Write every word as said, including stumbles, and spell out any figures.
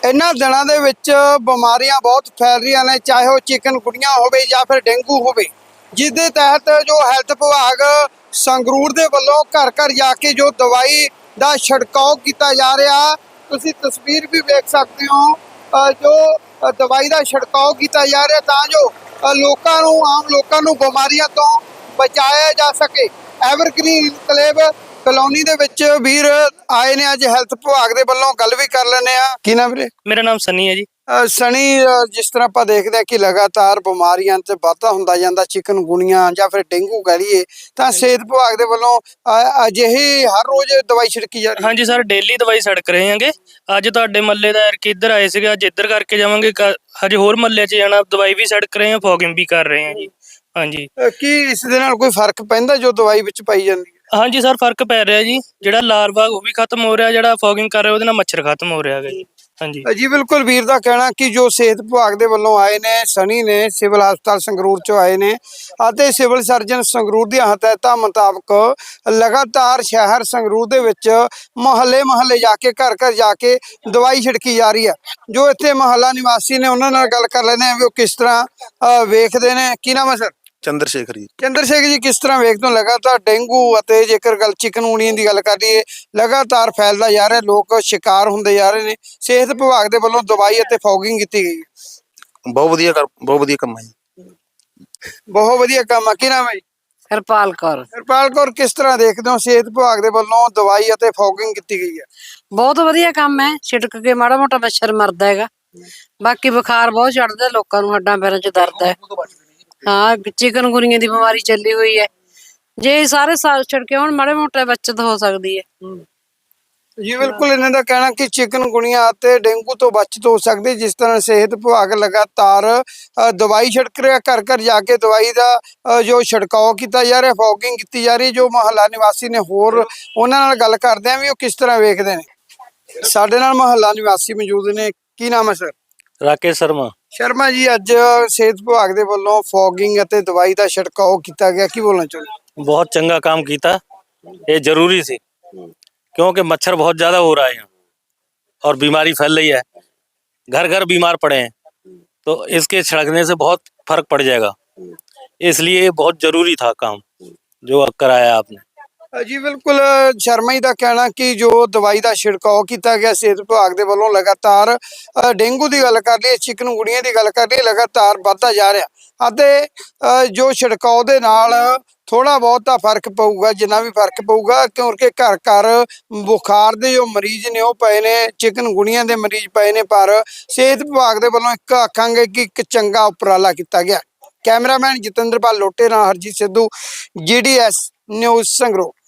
ਇਹਨਾਂ ਦਿਨਾਂ ਦੇ ਵਿੱਚ ਬਿਮਾਰੀਆਂ ਬਹੁਤ ਫੈਲ ਰਹੀਆਂ ਨੇ, ਚਾਹੇ ਉਹ ਚਿਕਨਗੁਨੀਆ ਹੋਵੇ ਜਾਂ ਫਿਰ ਡੇਂਗੂ ਹੋਵੇ, ਜਿਸ ਦੇ ਤਹਿਤ ਜੋ ਹੈਲਥ ਵਿਭਾਗ ਸੰਗਰੂਰ ਦੇ ਵੱਲੋਂ ਘਰ ਘਰ ਜਾ ਕੇ ਜੋ ਦਵਾਈ ਦਾ ਛਿੜਕਾਅ ਕੀਤਾ ਜਾ ਰਿਹਾ, ਤੁਸੀਂ ਤਸਵੀਰ ਵੀ ਵੇਖ ਸਕਦੇ ਹੋ। ਅ, ਜੋ ਅ, ਦਵਾਈ ਦਾ ਛਿੜਕਾਅ ਕੀਤਾ ਜਾ ਰਿਹਾ ਤਾਂ ਜੋ ਅ, ਲੋਕਾਂ ਨੂੰ ਆਮ ਲੋਕਾਂ ਨੂੰ ਬਿਮਾਰੀਆਂ ਤੋਂ ਬਚਾਇਆ ਜਾ ਸਕੇ। ਐਵਰਗ੍ਰੀਨ ਇਨਕਲੇਵ ਕਲੋਨੀ ਦੇ ਵਿੱਚ ਵੀਰ ਆਏ ਨੇ ਅੱਜ ਹੈਲਥ ਵਿਭਾਗ ਦੇ ਵੱਲੋਂ, ਗੱਲ ਵੀ ਕਰ ਲੈਂਦੇ ਆ। ਕੀ ਨਾਮ ਵੀਰੇ? ਮੇਰਾ ਨਾਮ ਸਨੀ ਹੈ ਜੀ। ਅ, ਸਣੀ, ਅ, ਜਿਸ ਤਰ੍ਹਾਂ ਆਪਾਂ ਦੇਖਦੇ ਹਾਂ ਕਿ ਲਗਾਤਾਰ ਬਿਮਾਰੀਆਂ ਤੇ ਵਾਧਾ ਹੁੰਦਾ ਜਾਂਦਾ, ਚਿਕਨਗੁਨੀਆ ਜਾਂ ਫਿਰ ਡੇਂਗੂ ਕਹਿ ਲਈਏ, ਤਾਂ ਸਿਹਤ ਵਿਭਾਗ ਦੇ ਵੱਲੋਂ ਅ, ਅਜਿਹੀ ਹਰ ਰੋਜ਼ ਦਵਾਈ ਛਿੜਕੀ ਜਾ ਰਹੀ ਹੈ। ਹਾਂਜੀ ਸਰ, ਡੇਲੀ ਦਵਾਈ ਛਿੜਕ ਰਹੇ ਹਾਂਗੇ। ਅੱਜ ਤੁਹਾਡੇ ਮੱਲੇ ਦਾ ਕਿ ਇੱਧਰ ਆਏ ਸੀਗੇ, ਅੱਜ ਇੱਧਰ ਕਰਕੇ ਜਾਵਾਂਗੇ, ਹਜੇ ਹੋਰ ਮੱਲੇ 'ਚ ਜਾਣਾ, ਦਵਾਈ ਵੀ ਛਿੜਕ ਰਹੇ ਹਾਂ, ਫੋਗਿੰਗ ਵੀ ਕਰ ਰਹੇ ਹਾਂ ਜੀ। ਹਾਂਜੀ, ਅ, ਕੀ ਇਸ ਦੇ ਨਾਲ ਕੋਈ ਫਰਕ ਪੈਂਦਾ ਜੋ ਦਵਾਈ ਵਿੱਚ ਪਾਈ ਜਾਂਦੀ ਹੈ? ਹਾਂਜੀ ਸਰ, ਫਰਕ ਪੈ ਰਿਹਾ ਜੀ। ਜਿਹੜਾ ਲਾਰਵਾ ਉਹ ਵੀ ਖਤਮ ਹੋ ਰਿਹਾ, ਜਿਹੜਾ ਫੋਗਿੰਗ ਕਰ ਰਿਹਾ ਉਹਦੇ ਨਾਲ ਮੱਛਰ ਖਤਮ ਹੋ ਰਿਹਾ ਹੈਗਾ ਜੀ। ਹਾਂਜੀ ਜੀ ਬਿਲਕੁਲ, ਵੀਰ ਦਾ ਕਹਿਣਾ ਕਿ ਜੋ ਸਿਹਤ ਵਿਭਾਗ ਦੇ ਵੱਲੋਂ ਆਏ ਨੇ, ਸਣੀ ਨੇ ਸਿਵਲ ਹਸਪਤਾਲ ਸੰਗਰੂਰ ਚੋਂ ਆਏ ਨੇ ਅਤੇ ਸਿਵਲ ਸਰਜਨ ਸੰਗਰੂਰ ਦੀਆਂ ਹਦਾਇਤਾਂ ਮੁਤਾਬਕ ਲਗਾਤਾਰ ਸ਼ਹਿਰ ਸੰਗਰੂਰ ਦੇ ਵਿੱਚ ਮੁਹੱਲੇ ਮੁਹੱਲੇ ਜਾ ਕੇ ਘਰ ਘਰ ਜਾ ਕੇ ਦਵਾਈ ਛਿੜਕੀ ਜਾ ਰਹੀ ਹੈ। ਜੋ ਇੱਥੇ ਮੁਹੱਲਾ ਨਿਵਾਸੀ ਨੇ ਉਹਨਾਂ ਨਾਲ ਗੱਲ ਕਰ ਲੈਂਦੇ ਆ ਵੀ ਉਹ ਕਿਸ ਤਰ੍ਹਾਂ ਅ, ਵੇਖਦੇ ਨੇ। ਕੀ ਨਾਮ ਹੈ ਸਰ? ਚੰਦਰ ਸ਼ੇਖਰ ਜੀ। ਚੰਦਰ ਸ਼ੇਖਰ ਜੀ, ਕਿਸ ਤਰ੍ਹਾਂ ਵੇਖਦੇ ਹੋ ਲਗਾਤਾਰ ਡੇਂਗੂ ਅਤੇ ਜੇਕਰ ਗੱਲ ਚਿਕਨਗੁਨੀਆ ਦੀ ਗੱਲ ਕਰ ਲਈਏ, ਲਗਾਤਾਰ ਫੈਲਦਾ ਜਾ ਰਿਹਾ, ਲੋਕ ਸ਼ਿਕਾਰ ਹੁੰਦੇ ਜਾ ਰਹੇ ਨੇ, ਸਿਹਤ ਵਿਭਾਗ ਦੇ ਵੱਲੋਂ ਦਵਾਈ ਅਤੇ ਫੋਗਿੰਗ ਕੀਤੀ ਗਈ ਹੈ? ਬਹੁਤ ਵਧੀਆ ਕਰ ਬਹੁਤ ਵਧੀਆ ਕੰਮ ਹੈ ਜੀ। ਬਹੁਤ ਵਧੀਆ ਕੰਮ ਆ। ਕੀ ਨਾਮ ਹੈ ਜੀ? ਹਰਪਾਲ ਕੌਰ। ਹਰਪਾਲ ਕੌਰ, ਕਿਸ ਤਰ੍ਹਾਂ ਦੇਖਦੇ ਹੋ ਸਿਹਤ ਵਿਭਾਗ ਦੇ ਵੱਲੋਂ ਦਵਾਈ ਅਤੇ ਫੋਗਿੰਗ ਕੀਤੀ ਗਈ ਹੈ? ਬਹੁਤ ਵਧੀਆ ਕੰਮ ਹੈ, ਛਿੜਕ ਕੇ ਮਾੜਾ ਮੋਟਾ ਮੱਛਰ ਮਰਦਾ ਹੈਗਾ। ਬਾਕੀ ਬੁਖਾਰ ਬਹੁਤ ਚੜਦਾ ਲੋਕਾਂ ਨੂੰ, ਹੱਡਾਂ ਪੈਰਾਂ 'ਚ ਦਰਦ ਹੈ। ਹਾਂ, ਚਿਕਨਗੁਨੀਆ ਦੀ ਬਿਮਾਰੀ ਚੱਲੀ ਹੋਈ ਹੈ, ਜੇ ਸਾਰੇ ਸਾਲ ਛਿੜਕੇ ਹੁਣ ਮਾੜੇ ਮੋਟੇ ਬੱਚਤ ਹੋ ਸਕਦੀ ਹੈ। ਜੀ ਬਿਲਕੁਲ, ਇਹਨਾਂ ਦਾ ਕਹਿਣਾ ਕਿ ਚਿਕਨਗੁਨੀਆ ਅਤੇ ਡੇਂਗੂ ਤੋਂ ਬਚਤ ਹੋ ਸਕਦੀ। ਜਿਸ ਤਰ੍ਹਾਂ ਸਿਹਤ ਵਿਭਾਗ ਲਗਾਤਾਰ ਅ, ਦਵਾਈ ਛਿੜਕ ਰਿਹਾ, ਘਰ ਘਰ ਜਾ ਕੇ ਦਵਾਈ ਦਾ ਅ, ਜੋ ਛਿੜਕਾਅ ਕੀਤਾ ਜਾ ਰਿਹਾ, ਫੋਗਿੰਗ ਕੀਤੀ ਜਾ ਰਹੀ। ਜੋ ਮੁਹੱਲਾ ਨਿਵਾਸੀ ਨੇ, ਹੋਰ ਉਹਨਾਂ ਨਾਲ ਗੱਲ ਕਰਦੇ ਆ ਵੀ ਉਹ ਕਿਸ ਤਰ੍ਹਾਂ ਵੇਖਦੇ ਨੇ। ਸਾਡੇ ਨਾਲ ਮੁਹੱਲਾ ਨਿਵਾਸੀ ਮੌਜੂਦ ਨੇ। ਕੀ ਨਾਮ ਹੈ ਸਰ? ਰਾਕੇਸ਼ ਸ਼ਰਮਾ। ਸ਼ਰਮਾ ਜੀ, ਅੱਜ ਸਿਹਤ ਵਿਭਾਗ ਦੇ ਵੱਲੋਂ ਫੋਗਿੰਗ ਅਤੇ ਦਵਾਈ ਦਾ ਛਿੜਕਾਅ ਕੀਤਾ ਗਿਆ, ਕੀ ਬੋਲਣਾ ਚਾਹੁੰਦੇ? बहुत चंगा काम किया, ये जरूरी सी, क्योंकि मच्छर बहुत ज्यादा हो रहा है यहाँ और बीमारी फैल रही है, घर घर बीमार पड़े हैं, तो इसके छिड़कने से बहुत फर्क पड़ जाएगा। इसलिए बहुत जरूरी था काम जो कराया आपने। जी बिल्कुल, शर्मा जी का कहना कि जो दवाई का छिड़काव किया गया सेहत विभाग के वालों, लगातार डेंगू की गल कर लिए, चिकनगुनिया की गल कर लिए, लगातार बढ़ता जा रहा। जो छिड़काव के नाल थोड़ा बहुत फर्क पऊगा, जिन्ना भी फर्क पऊगा, क्योंकि घर घर बुखार के जो मरीज ने वो पे ने, चिकनगुनिया के मरीज पे ने, पर सेहत विभाग के वालों एक आखांगे कि एक चंगा उपराला किया गया। कैमरामैन जितेंद्रपाल लोटे नाल Harjeet Sidhu, G D S news Sangrur.